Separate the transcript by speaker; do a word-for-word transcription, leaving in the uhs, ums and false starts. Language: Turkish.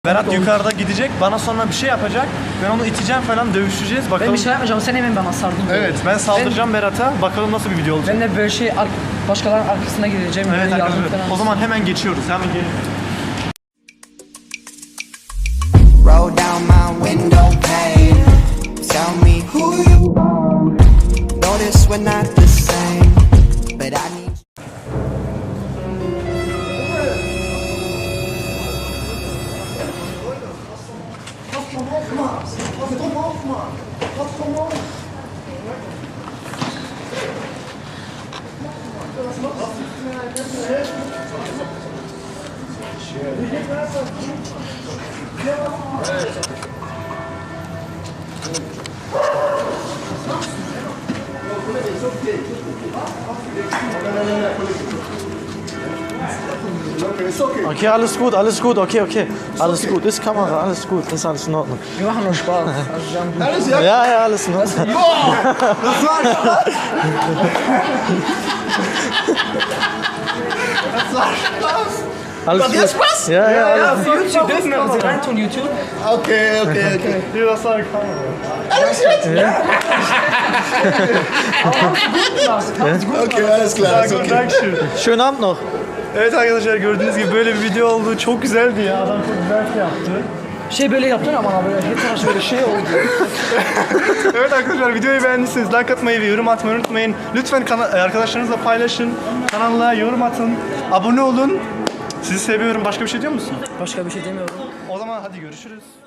Speaker 1: Berat yukarıda gidecek, bana sonra bir şey yapacak. Ben onu iteceğim falan, dövüşeceğiz. Bakalım.
Speaker 2: Ben bir şey yapmayacağım, sen hemen bana sardın.
Speaker 1: Evet, ben saldıracağım Berat'a. Bakalım nasıl bir video olacak.
Speaker 2: Ben de böyle şey ar- başkalarının arkasına gideceğim.
Speaker 1: Evet
Speaker 2: böyle
Speaker 1: arkadaşlar,
Speaker 2: yardım falan.
Speaker 1: o zaman hemen geçiyoruz. Hemen gelin.
Speaker 3: Roll down my window pane. Tell me who you are. Notice we're not the same, but I need.
Speaker 1: Okay, alles gut, alles gut, okay, okay. Alles gut, ist Kamera, alles gut, ist alles in Ordnung.
Speaker 2: Wir machen nur Spaß. Also, wir haben-
Speaker 1: Ja, ja, alles in Ordnung. Alles gut.
Speaker 3: Spaß?
Speaker 1: Ja, ja,
Speaker 2: Ja,
Speaker 1: alles
Speaker 2: für YouTube dürfen wir sie reintun, YouTube.
Speaker 3: Okay, okay, okay.
Speaker 1: gut. Das war Kamera.
Speaker 3: Okay, alles klar, alles okay.
Speaker 1: Dankeschön. Schönen Abend noch. Evet arkadaşlar, gördüğünüz gibi böyle bir video oldu. Çok güzeldi ya. Adam çok güzel şey yaptı.
Speaker 2: Şey böyle yaptın ama böyle hep tarafı böyle şey oldu.
Speaker 1: Evet arkadaşlar, videoyu beğendiyseniz like atmayı ve yorum atmayı unutmayın. Lütfen kana- arkadaşlarınızla paylaşın. Kanala yorum atın. Abone olun. Sizi seviyorum. Başka bir şey diyor musun?
Speaker 2: Başka bir şey demiyorum.
Speaker 1: O zaman hadi görüşürüz.